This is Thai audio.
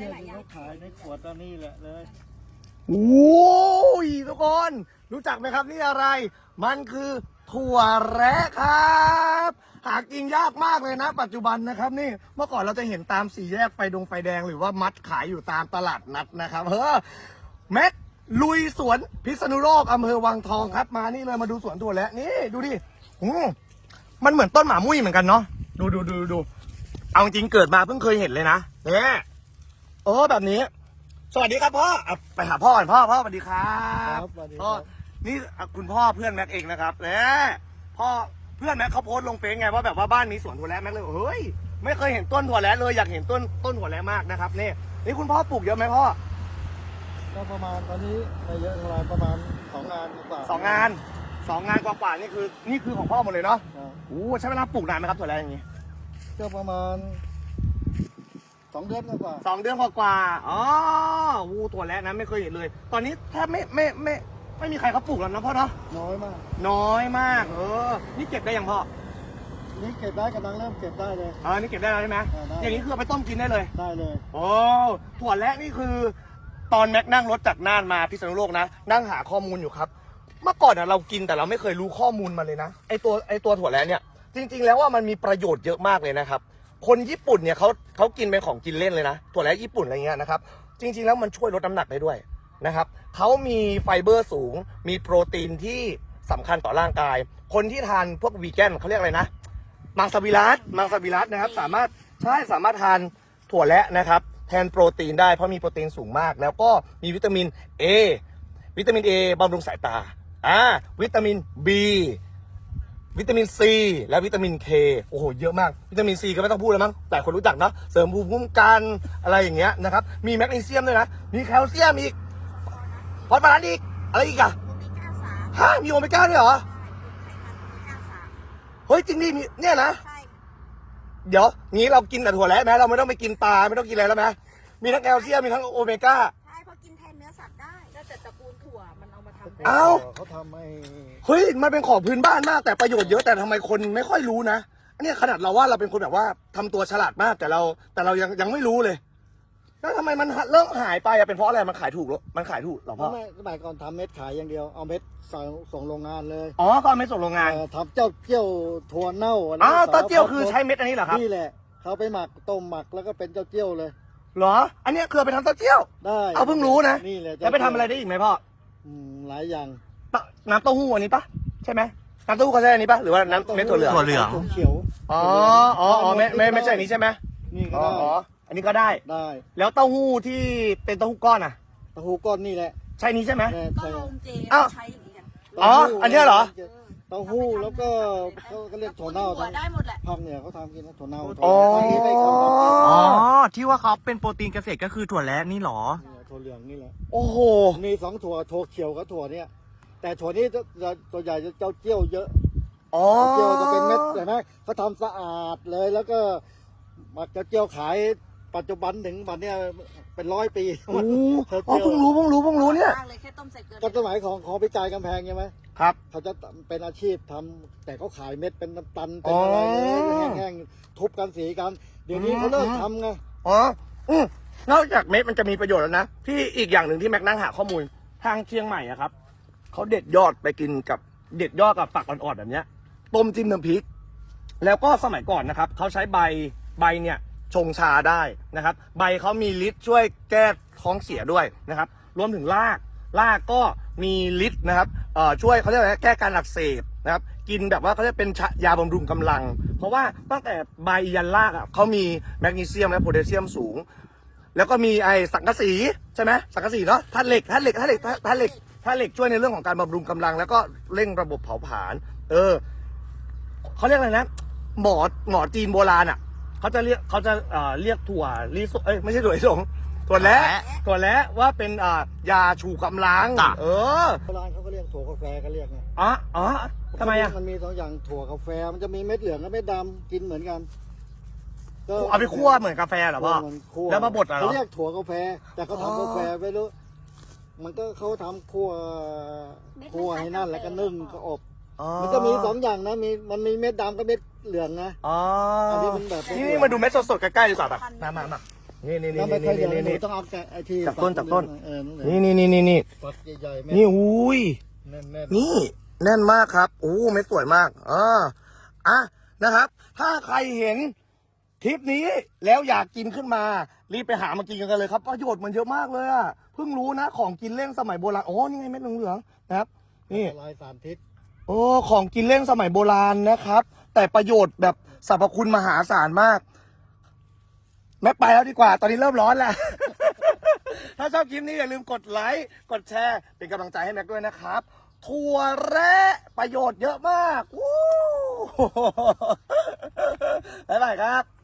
ที่เขาขายในขวดตอนนี้แหละเลยโอ้ยทุกคนรู้จักไหมครับนี่อะไรมันคือถั่วแระครับหากินยากมากเลยนะปัจจุบันนะครับนี่เมื่อก่อนเราจะเห็นตามสี่แยกไฟแดงหรือว่ามัดขายอยู่ตามตลาดนัดนะครับแม็กลุยสวนพิษณุโลกอำเภอวังทองครับมานี่เลยมาดูสวนถั่วแระนี่ดูดิมันเหมือนต้นหมามุ้ยเหมือนกันเนาะดูเอาจริงเกิดมาเพิ่งเคยเห็นเลยนะเนี่ยแบบนี้สวัสดีครับพ่อไปหาพ่อก่อนพ่อสวัสดีครับพ่อนี่คุณพ่อเพื่อนแม็กเองนะครับพ่อเพื่อนแม็กเขาโพสต์ลงเฟซไงว่าแบบว่าบ้านมีสวนถั่วแระแม็กเลยเฮ้ยไม่เคยเห็นต้นถั่วแระเลยอยากเห็นต้นถั่วแระมากนะครับนี่คุณพ่อปลูกเยอะไหมพ่อก็ประมาณตอนนี้ไม่เยอะเท่าไรประมาณ2 งานกว่า 2 งานกว่านี่คือของพ่อหมดเลยเนาะใช้เวลาปลูกนานไหมครับถั่วแระอย่างนี้ก็ประมาณ2 เดือนกว่า 2 เดือนกว่าถั่วแระนะไม่เคยเห็นเลยตอนนี้แทบไม่มีใครเขาปลูกแล้วนะพ่อเนาะน้อยมากนี่เก็บได้ยังพ่อนี่เก็บได้กำลังเริ่มเก็บได้เลยนี่เก็บได้แล้วใช่ไหมอย่างนี้คือเอาไปต้มกินได้เลยถั่วแระนี่คือตอนแม็กนั่งรถจากน่านมาพิษณุโลกนะนั่งหาข้อมูลอยู่ครับเมื่อก่อนเรากินแต่เราไม่เคยรู้ข้อมูลมาเลยนะไอตัวถั่วแระเนี่ยจริงๆแล้วว่ามันมีประโยชน์เยอะมากเลยนะครับคนญี่ปุ่นเนี่ยเขากินเป็นของกินเล่นเลยนะถั่วแระญี่ปุ่นอะไรเงี้ยนะครับจริงๆแล้วมันช่วยลดน้ำหนักได้ด้วยนะครับเขามีไฟเบอร์สูงมีโปรตีนที่สำคัญต่อร่างกายคนที่ทานพวกวีแกนเขาเรียกอะไรนะมังสวิรัตินะครับสามารถทานถั่วแระนะครับแทนโปรตีนได้เพราะมีโปรตีนสูงมากแล้วก็มีวิตามิน A บำรุงสายตาวิตามิน B วิตามิน C และวิตามิน K โอ้โหเยอะมากวิตามิน C ก็ไม่ต้องพูดแล้วมั้งแต่คนรู้จักเนาะเสริมภูมิคุ้มกันอะไรอย่างเงี้ยนะครับมีแมกนีเซียมด้วยนะมีแคลเซียมอีกฟอสฟอรัสอีกอะไรอีกอะมีโอเมก้าด้วยเหรอเฮ้ยจริงดิมีเนี่ยนะเดี๋ยวงี้เรากินแต่ถั่วแระไหมเราไม่ต้องไปกินปลาไม่ต้องกินอะไรแล้วไหมมีทั้งแคลเซียมมีทั้งโอเมก้าใช่เพราะกินแทนเนื้อสัตว์ได้แล้วแต่ตระกูลถั่วมันเอามาทำเขาทำเฮ้ยมันเป็นของพื้นบ้านมากแต่ประโยชน์เยอะแต่ทำไมคนไม่ค่อยรู้นะอันนี้ขนาดเราว่าเราเป็นคนแบบว่าทำตัวฉลาดมากแต่เรายังไม่รู้เลยแล้วทำไมมันเริ่มหายไปเป็นเพราะอะไรมันขายถูกหรอพ่อสมัยก่อนทำเม็ดขายอย่างเดียวเอาเม็ดส่งโรงงานเลยก็เอาเม็ดส่งโรงงานทำเจ้าเจี้ยวถั่วเน่าเต้าเจี้ยวคือใช้เม็ดอันนี้เหรอครับนี่แหละเขาไปหมักต้มหมักแล้วก็เป็นเจ้าเจี้ยวเลยเหรออันนี้คือไปทำเต้าเจี้ยวได้เอาเพิ่งรู้นะนี่แหละแล้วไปทำอะไรได้อีกไหมพ่อหลายอย่างน้ำเต้าหู้อันนี้ปะใช่ไหมน้ำเต้าหู้เขาใช้อันนี้ปะหรือว่าน้ำเม็ดถั่วเหลืองเขียวไม่ใช่อันนี้ใช่ไหมนี่ก็ได้อันนี้ก็ได้แล้วเต้าหู้ที่เป็นเต้าหู้ก้อนอ่ะเต้าหู้ก้อนนี่แหละใช่นี้ใช่ไหมก็ลงเจใช้อย่างนี้กันอันนี้เหรอเต้าหู้แล้วก็เขาเรียกถั่วเน่าได้หมดแหละภาคเหนือเขาทำกินนะถั่วเน่าที่ว่าเขาเป็นโปรตีนเกษตรก็คือถั่วแระนี่หรอถั่วเหลืองนี่แหละโอ้โหมี2 ถั่วเขียวกับถั่วเนี่ยแต่ถั่วนี้ตัวใหญ่จะเจ้าเจี้ยวเยอะเจี้ยวจะเป็นเม็ดเห็นไหมเขาทำสะอาดเลยแล้วก็มักจะเจี้ยวขายปัจจุบันถึงวันนี้เป็น100 ปีเพิ่งรู้เนี่ยก็สมัยของพิจารกำแพงใช่ไหมครับเขาจะเป็นอาชีพทำแต่เขาขายเม็ดเป็นตันเป็นอะไรแห้งๆทุบกันสีกันเดี๋ยวนี้เขาเลิกทำไงนอกจากเม็ดมันจะมีประโยชน์แล้วนะที่อีกอย่างหนึ่งที่แม็กนั่งหาข้อมูลทางเชียงใหม่อะครับเขาเด็ดยอดไปกินกับฝักอ่อนๆแบบเนี้ยต้มจิ้มน้ำพริกแล้วก็สมัยก่อนนะครับเขาใช้ใบเนี่ยชงชาได้นะครับใบเขามีฤทธิ์ช่วยแก้ท้องเสียด้วยนะครับรวมถึงรากก็มีฤทธิ์นะครับช่วยเขาเรียกอะไรแก้การอักเสบนะครับกินแบบว่าเขาเรียกเป็นยาบำรุงกำลังเพราะว่าตั้งแต่ใบยันรากเขามีแมกนีเซียมและโพแทสเซียมสูงแล้วก็มีสังกะสีใช่ไหมสังกะสีเนาะธาตุเหล็กช่วยในเรื่องของการบำรุงกำลังแล้วก็เร่งระบบเผาผลาญเขาเรียกอะไรนะหมอจีนโบราณอ่ะเขาจะเรียกถั่วลิสงไม่ใช่ถั่วลิสงถั่วแระว่าเป็นยาชูกำลังโบราณเขาก็เรียกถั่วกาแฟก็เรียกไงทำไมมันมี2 อย่างถั่วกาแฟมันจะมีเม็ดเหลืองกับเม็ดดำกินเหมือนกันเอาไปคั่วเหมือนกาแฟเหรอพ่อแล้วมาบดเหรอเขาเรียกถั่วกาแฟแต่เขาทำกาแฟไปรู้มันก็เขาทำคั่วให้นั่นแล้วก็นึ่งก็อบมันจะมี2 อย่างนะมันมีเม็ดดำกับเม็ดเหลืองนะอันนี้มันแบบนี่มาดูเม็ดสดๆใกล้ๆดีกว่าแบบมานี่ถ้าไม่ค่อยเยอะหนูนี่ต้องเอาแกะไอ้ที่จากต้นฝักนี่นี่นี่ฝักใหญ่ๆเม็ดนี่อุ้ยแน่นนี่แน่นมากครับโอ้เม็ดสวยมากนะครับ ถ้าใครเห็นคลิปนี้แล้วอยากกินขึ้นมารีบไปหามากินกันเลยครับประโยชน์มันเยอะมากเลยอ่ะเพิ่งรู้นะของกินเล่นสมัยโบราณอ๋อนี่ไงเม็ดเหลืองๆนะครับๆนี่ลายสารพิษโอ้ของกินเล่นสมัยโบราณนะครับ แต่ประโยชน์แบบสรรพคุณมหาศาลมากแม็กไปแล้วดีกว่า ตอนนี้เริ่มร้อนแล้ว ถ้าชอบคลิปนี้อย่าลืมกดไลค์กดแชร์เป็นกำลังใจให้แม็กด้วยนะครับถั่วแระประโยชน์เยอะมากวู้ บ๊ายบายครับ